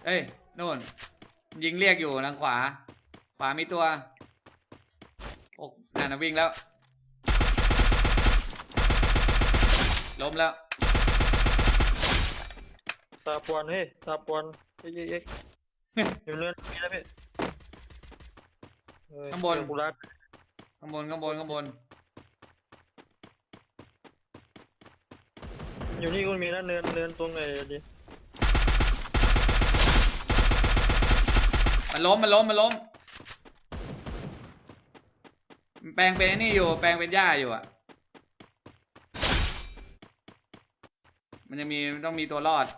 เอ้ยโน่นยิงเรียกอยู่ทางขวามีตัวโอ้นั่นนะวิ่งแล้วล้มแล้วตาปวนเฮ้ยตาปวนเอ๊ะอยู่เนินมีแล้วพี่ข้างบนกูรัดข้างบนอยู่นี่ก็มีนะเนินตรงไหนดิมันล้มแปลงเป็นนี่อยู่แปลงเป็นหญ้าอยู่อ่ะมันจะมีต้องมีตัวรอด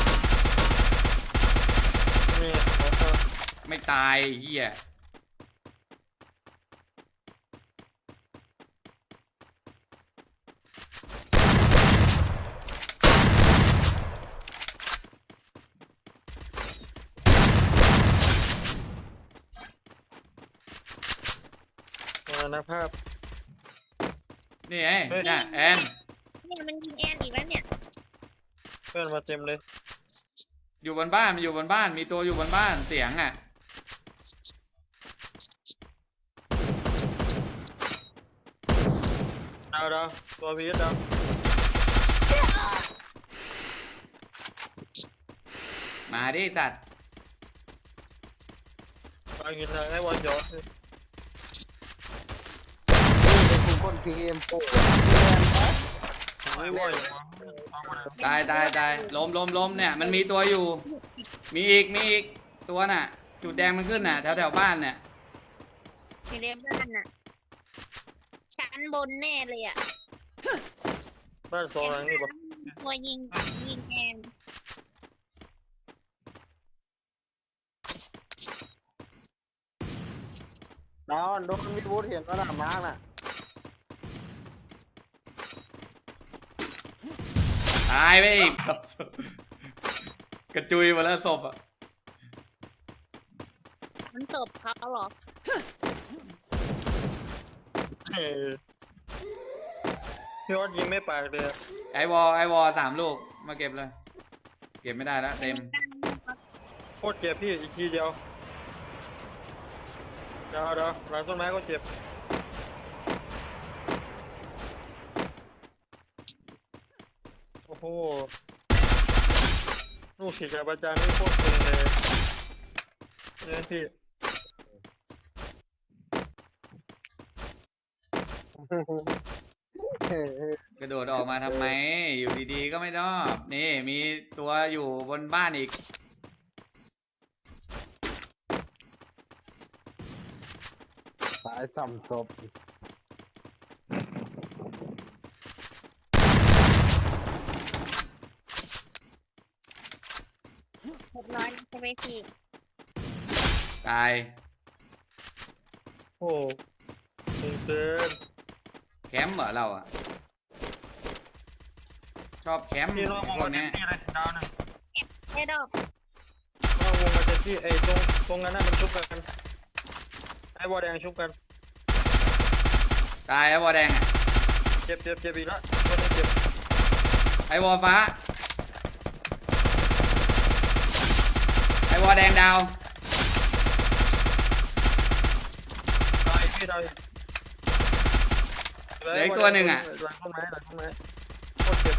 นี่ไม่ตายเหี้ยนะภาพนี่ไงน่ะแอนเนี่ยมันยิงแอนอีกแล้วเนี่ยเพื่อนมาเต็มเลยอยู่บนบ้านมันอยู่บนบ้านมีตัวอยู่บนบ้านเสียงอ่ะดาวตัวพีดาวมาดิตัดไปกินทางให้วันย้อนคนทีเอ็มโปไม่ไหวตายล้มเนี่ยมันมีตัวอยู่มีอีกตัวน่ะจุดแดงมันขึ้นน่ะแถวบ้านเนี่ยอยู่ในบ้านน่ะชั้นบนแน่เลยอ่ะบ้านสองหลังนี่บอกตัวยิงแอนดาวโดนมีบูธเห็นว่าหน้ามาร์กน่ะตายไปอีกกระจุยหมดแล้วศพอ่ะมันศพเขาเหรอพี่วัดยิงไม่ปากเลยไอวอล3 ลูกมาเก็บเลยเก็บไม่ได้แล้วเต็มโคตรเจ็บพี่อีกทีเดียวเดี๋ยวหลังต้นไม้ก็เจ็บโอ้โหลูกศิษย์กับอาจารย์นี่โคตรเก่งเลยเนี่ยพี่กระโดดออกมาทำไมอยู่ดีๆก็ไม่ชอบนี่มีตัวอยู่บนบ้านอีกสายสัมศพ 600ใช่ไหมพี่ตายโอ้เกินแคมป์เหรอเราอ่ะชอบแคมป์พี่น้องวงพวมาก เต็นี้มที่เลยดาวหนึ่งไอ้ดอกน้องวงมาเต็มที่ไอ้ตรงนั้นน่ะมันชุบกันไอ้บอลแดงชุบกันตายไอวอลแดงอ่ะเจ็บอีกแล้วคนนี้เจ็บไอวอลฟ้าไอวอลแดงดาวตายพี่ตายเหลืออีกตัวหนึ่งอ่ะหลังต้นไม้โคตรเจ็บ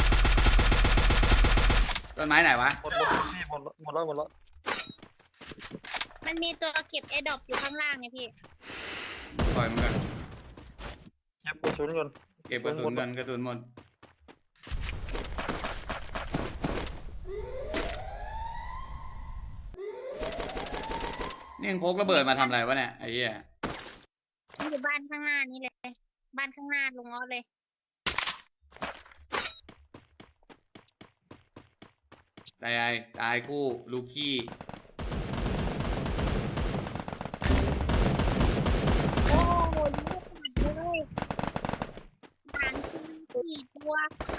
ต้นไม้ไหนวะหมดพี่หมดแล้วมันมีตัวเก็บไอ้ดอกอยู่ข้างล่างไงพี่ปล่อยมันก่อนเก็บกระสุนก่อนเก็บกระสุนกันกระสุนหมดนี่ยังพกระเบิดมาทำอะไรวะเนี่ยไอ้เหี้ยนี่คือบ้านข้างหน้านี่เลยบ้านข้างหน้าลงอ้อเลยตายคู่ลูกี้โอ้ยลูกหมดเลยหาง4 ตัว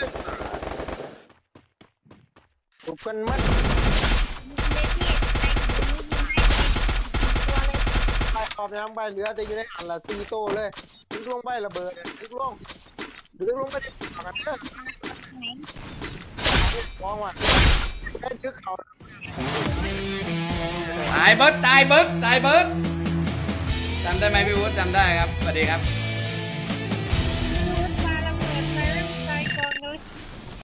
ถูกกันมัดยิงเลยพี่ใส่ถุงยิงได้4 ตัวเลยไปขอบยังไปเหลือแต่อยู่ในอันละตีโตเลยดึกลงไประเบิดดึกลงก็จะต่อกันเด้อไหนมองว่าได้ดึกเขาตายเบิร์ดตายเบิร์ดตายเบิร์ดจำได้ไหมพี่วุฒิจำได้ครับสวัสดีครับ